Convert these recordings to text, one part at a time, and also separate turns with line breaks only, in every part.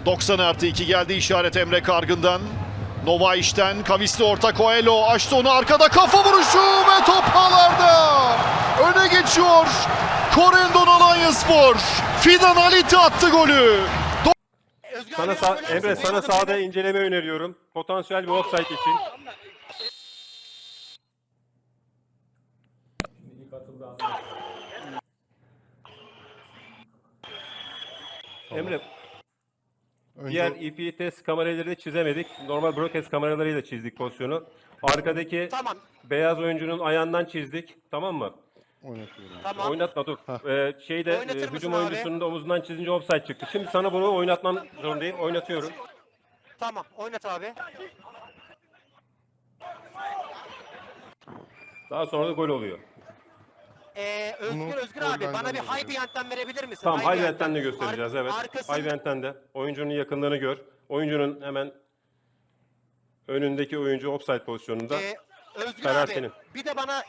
90+2 geldi işaret Emre Kargın'dan. Nova işten kavisli orta Coelho açtı onu, arkada kafa vuruşu ve top ağlarda. Öne geçiyor Corendon Alanyaspor. Fidan Halit attı golü.
Emre sana sahada inceleme öneriyorum. Potansiyel bir offside için. Emre, diğer EP test kameraları çizemedik. Normal broadcast kameralarıyla çizdik pozisyonu. Arkadaki beyaz oyuncunun ayağından çizdik. Tamam mı?
Oynatıyorum.
Tamam.
Oynatma dur.
Oynatır mısın
Hücum
abi?
oyuncusunun da omuzundan çizince offside çıktı. Şimdi sana bunu oynatmam zorundayım. Oynatıyorum.
Tamam, oynat abi.
Daha sonra da gol oluyor.
Özgür abi bana bir high behind'den verebilir misin?
Tamam, high behind'den de göstereceğiz, evet.
Arkasını...
High behind'den de. Oyuncunun yakınlığını gör. Oyuncunun hemen önündeki oyuncu offside pozisyonunda.
Özgür
Karar
abi
senin.
bir de bana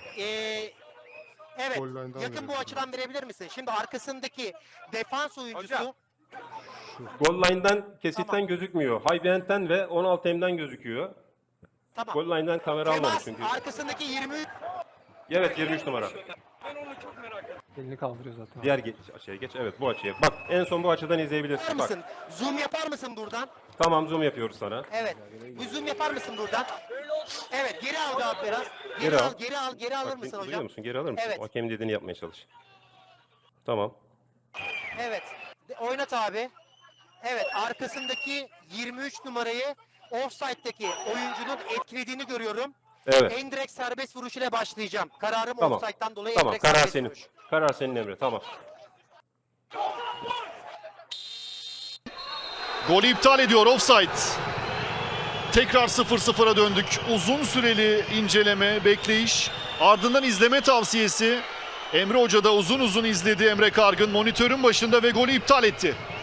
evet
Goal line'dan
yakın bu
verelim.
açıdan verebilir misin? Şimdi arkasındaki defans oyuncusu
Goal line'dan kesitten gözükmüyor. High behind'den ve 16M'den gözüküyor.
tamam.
Goal line'dan kamera almadı
Temas
çünkü.
arkasındaki 23
Evet, 23 numara.
Elini kaldırıyor zaten.
Diğer açıya geç. Evet, bu açıya. Bak, en son bu açıdan izleyebilirsin.
yapar
Bak.
mısın? Zoom yapar mısın buradan?
Tamam, zoom yapıyoruz sana.
Evet. Bir zoom yapar mısın buradan? Evet, geri al abi biraz.
Geri al.
Geri alır
Bak,
mısın
duyuyor
hocam?
musun? Geri alır mısın?
Evet.
O hakemin dediğini yapmaya çalış. Tamam.
Evet. Oynat abi. Evet, arkasındaki 23 numarayı offside'daki oyuncunun etkilediğini görüyorum.
Evet.
En direkt serbest vuruş ile başlayacağım. Kararım
Tamam.
offside'dan dolayı
Tamam,
en direkt
karar
serbest
senin.
vuruş.
Karar senin Emre, tamam.
Golü iptal ediyor, offside. Tekrar 0-0'a döndük. Uzun süreli inceleme, bekleyiş. Ardından izleme tavsiyesi. Emre Hoca da uzun uzun izledi Emre Kargın monitörün başında ve golü iptal etti.